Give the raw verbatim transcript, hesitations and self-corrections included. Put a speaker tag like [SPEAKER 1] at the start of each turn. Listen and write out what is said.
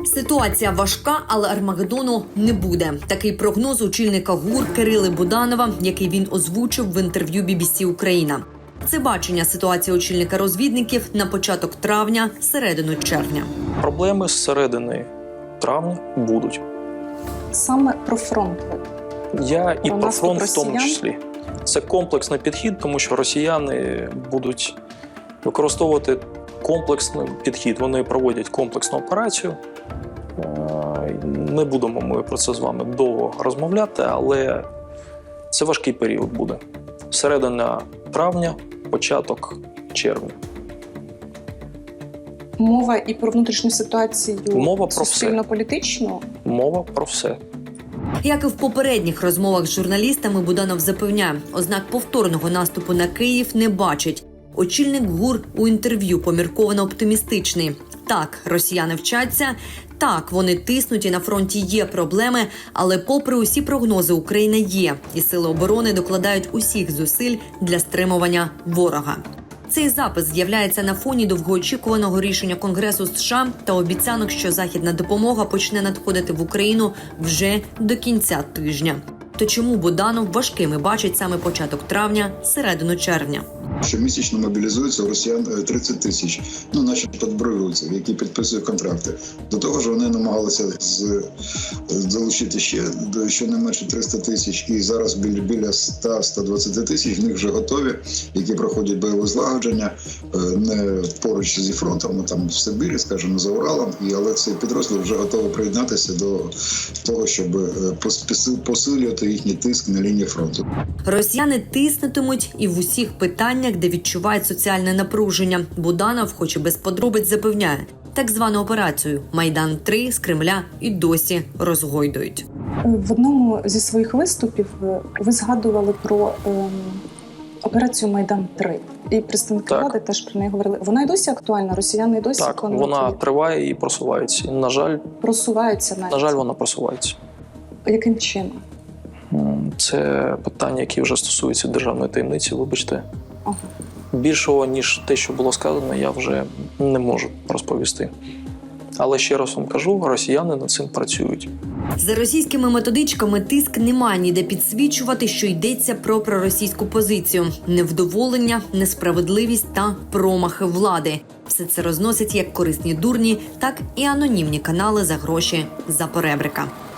[SPEAKER 1] Ситуація важка, але Армагеддону не буде. Такий прогноз очільника ГУР Кирили Буданова, який він озвучив в інтерв'ю бі бі сі Україна. Це бачення ситуації очільника розвідників на початок травня, середину червня.
[SPEAKER 2] Проблеми з середини травня будуть.
[SPEAKER 3] Саме про фронт.
[SPEAKER 2] Я і
[SPEAKER 3] про,
[SPEAKER 2] про фронт в тому
[SPEAKER 3] росіян?
[SPEAKER 2] числі. Це комплексний підхід, тому що росіяни будуть використовувати комплексний підхід. Вони проводять комплексну операцію. Не будемо ми про це з вами довго розмовляти, але це важкий період буде. Середина травня, початок червня.
[SPEAKER 3] Мова і про внутрішню ситуацію
[SPEAKER 2] Мова про
[SPEAKER 3] суспільно-політичну?
[SPEAKER 2] Мова про все.
[SPEAKER 1] Як і в попередніх розмовах з журналістами, Буданов запевняє, ознак повторного наступу на Київ не бачить. Очільник ГУР у інтерв'ю помірковано оптимістичний. Так, росіяни вчаться, так, вони тиснуть і на фронті є проблеми, але попри усі прогнози Україна є, і сили оборони докладають усіх зусиль для стримування ворога. Цей запис з'являється на фоні довгоочікуваного рішення Конгресу США та обіцянок, що західна допомога почне надходити в Україну вже до кінця тижня. То чому Буданов важкими бачить саме початок травня, середину червня?
[SPEAKER 4] Щомісячно мобілізується у росіян тридцять тисяч, ну, наші підбриваються, які підписують контракти. До того ж, вони намагалися з, залучити ще щонайменше триста тисяч, і зараз біля, біля сто - сто двадцять тисяч в них вже готові, які проходять бойове злагодження, не поруч зі фронтом, а там в Сибірі, скажімо, за Уралом, і, але цей підрозділ вже готовий приєднатися до того, щоб посилювати їхній тиск на лінії фронту.
[SPEAKER 1] Росіяни тиснутимуть і в усіх питаннях, де відчувають соціальне напруження. Буданов, хоч і без подробиць, запевняє, так звану операцію «Майдан-три» з Кремля і досі розгойдують.
[SPEAKER 3] В одному зі своїх виступів ви згадували про ем, операцію «Майдан-три». І представники
[SPEAKER 2] Так.
[SPEAKER 3] влади теж про неї говорили. Вона й досі актуальна, росіяни й досі
[SPEAKER 2] Так,
[SPEAKER 3] планують
[SPEAKER 2] вона
[SPEAKER 3] її?
[SPEAKER 2] триває і просувається. І, на жаль,
[SPEAKER 3] Просуваються навіть.
[SPEAKER 2] на жаль, вона просувається.
[SPEAKER 3] Яким чином?
[SPEAKER 2] Це питання, які вже стосуються державної таємниці, вибачте.
[SPEAKER 3] Ага.
[SPEAKER 2] Більшого, ніж те, що було сказано, я вже не можу розповісти. Але ще раз вам кажу, росіяни над цим працюють.
[SPEAKER 1] За російськими методичками тиск немає ніде підсвічувати, що йдеться про проросійську позицію. Невдоволення, несправедливість та промахи влади. Все це розносять як корисні дурні, так і анонімні канали за гроші за поребрика.